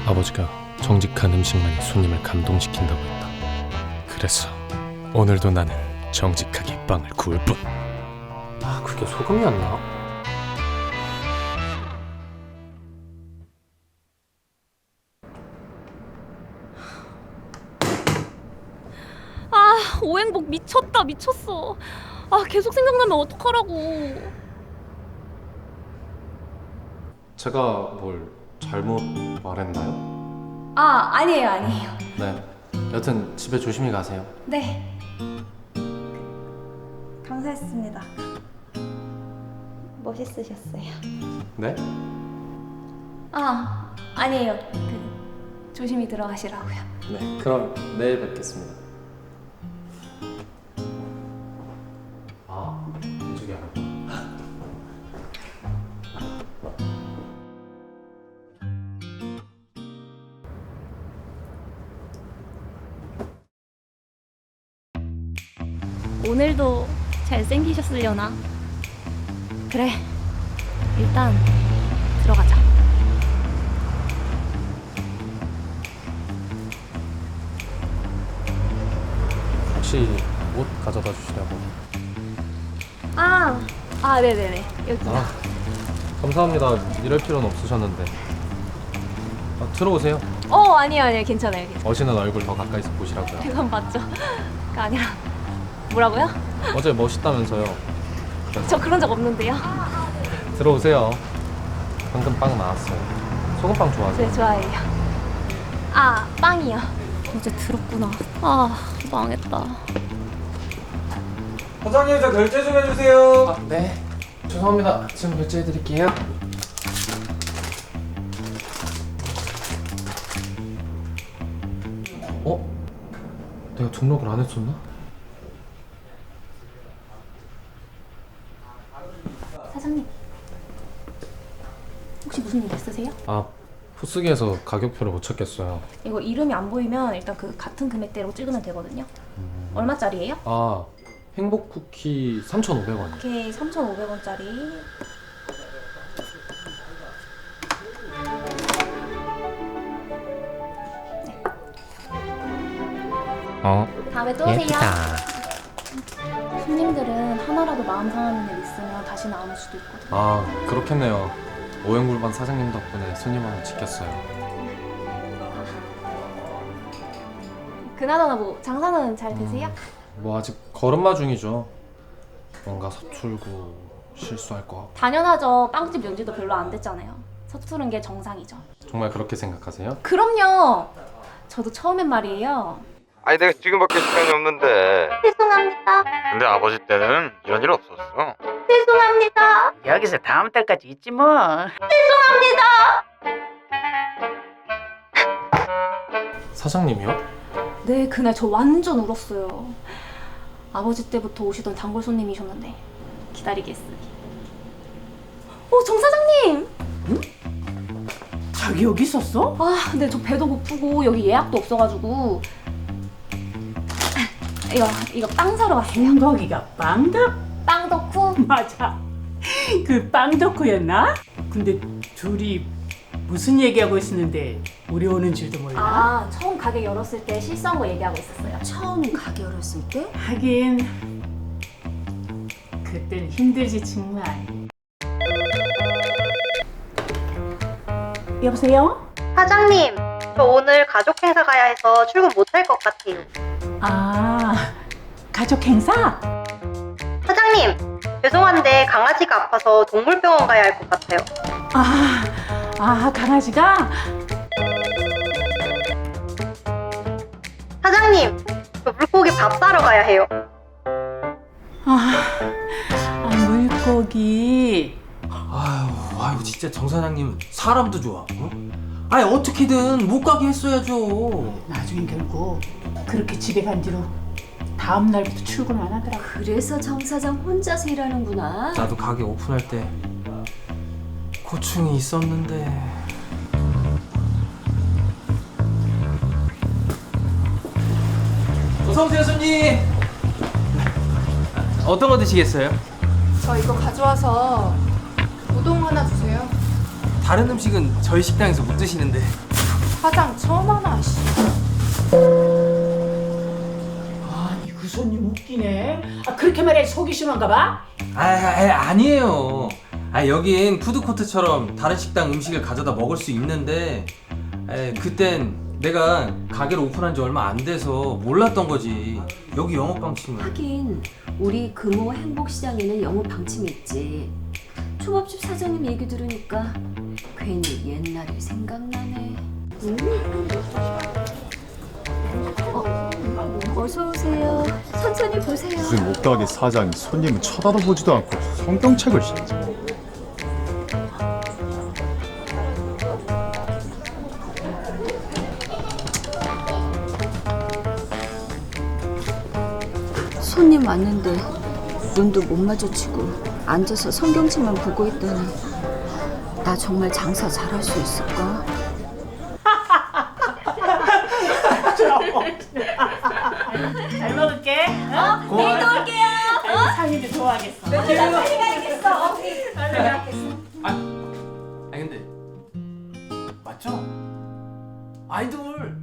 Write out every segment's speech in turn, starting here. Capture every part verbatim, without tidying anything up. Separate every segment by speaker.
Speaker 1: 아버지가 정직한 음식만이 손님을 감동시킨다고 했다. 그래서 오늘도 나는 정직하게 빵을 구울 뿐. 아, 그게 소금이었나?
Speaker 2: 아, 오행복 미쳤다, 미쳤어. 아, 계속 생각나면 어떡하라고.
Speaker 1: 제가 뭘 잘못 말했나요?
Speaker 2: 아, 아니에요, 아니에요.
Speaker 1: 네. 여튼 집에 조심히 가세요.
Speaker 2: 네. 감사했습니다. 멋있으셨어요.
Speaker 1: 네?
Speaker 2: 아, 아니에요. 그 조심히 들어가시라고요.
Speaker 1: 네. 그럼 내일 뵙겠습니다. 아, 이쪽이 아니고.
Speaker 2: 오늘도 잘생기셨으려나? 그래, 일단 들어가자.
Speaker 1: 혹시 옷 가져다 주시려고?
Speaker 2: 아, 아, 네네네. 여기.
Speaker 1: 아, 감사합니다. 이럴 필요는 없으셨는데. 아, 들어오세요.
Speaker 2: 어, 아니에요, 아니에요. 괜찮아요, 괜찮아요.
Speaker 1: 어시는 얼굴 더 가까이서 보시라고요.
Speaker 2: 그건 맞죠? 그 아니라 뭐라고요?
Speaker 1: 어제 멋있다면서요.
Speaker 2: 저 그런 적 없는데요.
Speaker 1: 들어오세요. 방금 빵 나왔어요. 소금빵 좋아하세요?
Speaker 2: 네, 좋아해요. 아, 빵이요. 어제 들었구나. 아, 망했다.
Speaker 3: 사장님 저 결제 좀 해주세요.
Speaker 1: 아, 네. 죄송합니다. 지금 결제해드릴게요. 어? 내가 등록을 안 했었나?
Speaker 2: 사장님, 혹시 무슨 일 있으세요?
Speaker 1: 아, 포스기에서 가격표를 못 찾겠어요.
Speaker 2: 이거 이름이 안 보이면 일단 그 같은 금액대로 찍으면 되거든요. 얼마짜리예요?
Speaker 1: 아, 행복 쿠키 삼천오백 원이요.
Speaker 2: 이렇게 삼천오백 원짜리.
Speaker 1: 어?
Speaker 2: 다음에 또 오세요. 손님들은 하나라도 마음 상하는 일 있으면 다시는 안 올 수도 있거든요.
Speaker 1: 아, 그렇겠네요. 오행굴반 사장님 덕분에 손님 하나 지켰어요.
Speaker 2: 그나저나 뭐 장사는 잘 되세요?
Speaker 1: 뭐 아직 걸음마 중이죠. 뭔가 서툴고 실수할 것 같고.
Speaker 2: 당연하죠. 빵집 연지도 별로 안 됐잖아요. 서투른 게 정상이죠.
Speaker 1: 정말 그렇게 생각하세요?
Speaker 2: 그럼요. 저도 처음엔 말이에요.
Speaker 3: 아니 내가 지금밖에 시간이 없는데.
Speaker 2: 죄송합니다.
Speaker 3: 근데 아버지 때는 이런 일 없었어.
Speaker 2: 죄송합니다.
Speaker 4: 여기서 다음 달까지 있지 뭐.
Speaker 1: 사장님이요?
Speaker 2: 네, 그날 저 완전 울었어요. 아버지 때부터 오시던 단골 손님이셨는데 기다리게 했으니. 어, 정 사장님!
Speaker 4: 자기 여기 있었어?
Speaker 2: 아, 근데 저 배도 고프고 여기 예약도 없어가지고 이거, 이거 빵 사러 왔어요.
Speaker 4: 행복이가 빵덕?
Speaker 2: 빵 덕후?
Speaker 4: 맞아. 그 빵덕후였나? 근데 둘이 무슨 얘기하고 있었는데 우리 오는 줄도 몰라.
Speaker 2: 아, 처음 가게 열었을 때 실수한 거 얘기하고 있었어요.
Speaker 5: 처음 가게 열었을 때?
Speaker 4: 하긴 그땐 힘들지 정말. 여보세요?
Speaker 6: 사장님, 저 오늘 가족 행사 가야 해서 출근 못할 것 같아요.
Speaker 4: 아, 가족 행사?
Speaker 6: 사장님, 죄송한데 강아지가 아파서 동물병원 가야 할 것 같아요.
Speaker 4: 아, 아 강아지가?
Speaker 6: 사장님, 저 물고기 밥 사러 가야 해요.
Speaker 4: 아, 아 물고기.
Speaker 7: 아유, 아유, 진짜 정 사장님은 사람도 좋아. 어? 아니 어떻게든 못 가게 했어야죠.
Speaker 4: 나중엔 결국 그렇게 집에 간 뒤로 다음 날부터 출근 안 하더라고.
Speaker 5: 그래서 정 사장 혼자서 일하는구나.
Speaker 7: 나도 가게 오픈할 때 고충이 있었는데. 어서 오세요, 손님. 어떤 거 드시겠어요?
Speaker 8: 저 이거 가져와서 우동 하나 주세요.
Speaker 7: 다른 음식은 저희 식당에서 못 드시는데.
Speaker 8: 사장 처음 하나 씨.
Speaker 4: 아니 그 손님 웃기네. 아 그렇게 말해 속이 심한가 봐?
Speaker 7: 아, 아 아니에요. 아 여긴 푸드코트처럼 다른 식당 음식을 가져다 먹을 수 있는데 에, 그땐 내가 가게를 오픈한 지 얼마 안 돼서 몰랐던 거지. 여기 영업 방침은.
Speaker 5: 하긴 우리 금호 행복시장에는 영업 방침이 있지. 초밥집 사장님 얘기 들으니까 괜히 옛날이 생각나네. 음? 어, 어서 오세요. 천천히 보세요.
Speaker 9: 무슨 옷가게 사장이 손님을 쳐다도 보지도 않고 성경책을 신지.
Speaker 5: 손님 왔는데 눈도 못 마주치고 앉아서 성경책만 보고 있다니 나 정말 장사 잘할 수 있을까?
Speaker 4: 잘 먹을게. 어?
Speaker 5: 내일 또 올게요.
Speaker 4: 상인도 좋아하겠어.
Speaker 5: 빨리 가야겠어.
Speaker 7: 아, 아니 근데 맞죠? 아이돌.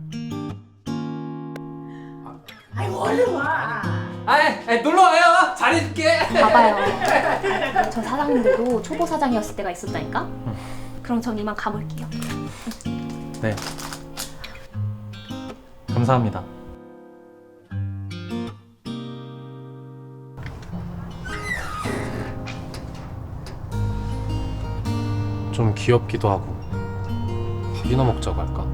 Speaker 4: 아이 얼른 와.
Speaker 7: 아이 놀러 와요. 잘해줄게.
Speaker 2: 봐봐요. 저 사장님들도 초보 사장이었을 때가 있었다니까? 그럼 전 이만 가볼게요.
Speaker 1: 네. 감사합니다. 좀 귀엽기도 하고 밥이나 먹자고 할까?